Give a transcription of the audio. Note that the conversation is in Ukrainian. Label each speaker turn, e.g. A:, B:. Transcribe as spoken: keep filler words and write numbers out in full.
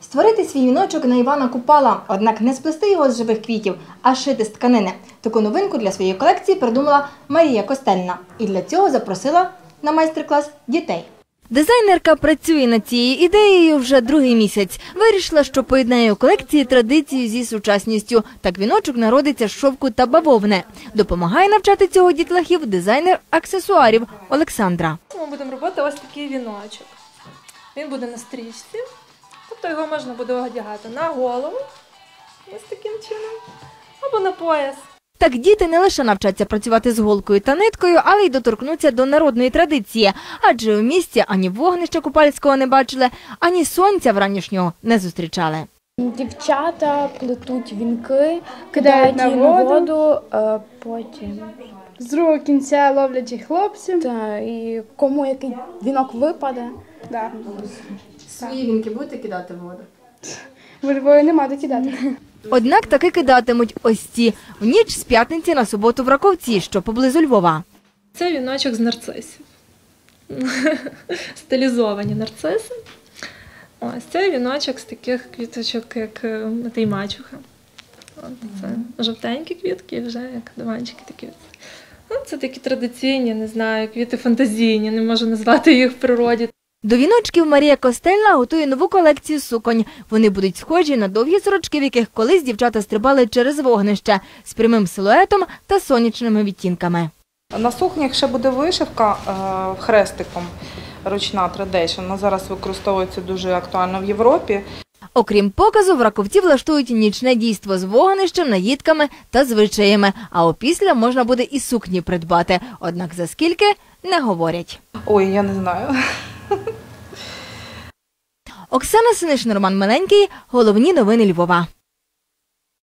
A: Створити свій віночок на Івана Купала, однак не сплести його з живих квітів, а шити з тканини. Таку новинку для своєї колекції придумала Марія Костельна. І для цього запросила на майстер-клас дітей. Дизайнерка працює над цією ідеєю вже другий місяць. Вирішила, що поєднає у колекції традицію зі сучасністю. Так віночок народиться з шовку та бавовни. Допомагає навчати цього дітлахів дизайнер аксесуарів Олександра.
B: Ми будемо робити ось такий віночок. Він буде на стрічці, тобто його можна буде одягати на голову, ось таким чином, або на пояс.
A: Так діти не лише навчаться працювати з голкою та ниткою, але й доторкнуться до народної традиції. Адже у місті ані вогнища купальського не бачили, ані сонця вранішнього не зустрічали.
C: Дівчата плетуть вінки, кидають її на воду, а потім
D: з другого кінця ловлять хлопців.
C: та, і кому який вінок випаде.
D: Да.
A: Свої вінки будете кидати в воду?
D: У Львові нема де кидати.
A: Однак таки кидатимуть ось ці в ніч з п'ятниці на суботу в Раковці, що поблизу Львова.
B: Це віночок з нарцисів. Стилізовані нарциси. Ось це віночок з таких квіточок, як матей мачуха. Це жовтенькі квітки, вже як диванчики такі. Це такі традиційні, не знаю, квіти фантазійні, не можу назвати їх в природі.
A: До віночків Марія Костельна готує нову колекцію суконь. Вони будуть схожі на довгі сорочки, в яких колись дівчата стрибали через вогнище, з прямим силуетом та сонячними відтінками.
E: На сукнях ще буде вишивка е, хрестиком, ручна традиція. Вона зараз використовується дуже актуально в Європі.
A: Окрім показу, в Раковці влаштують нічне дійство з вогнищем, наїдками та звичаями. А опісля можна буде і сукні придбати. Однак за скільки – не говорять.
E: Ой, я не знаю.
A: Оксана Синишин, Роман Миленький. Головні новини Львова.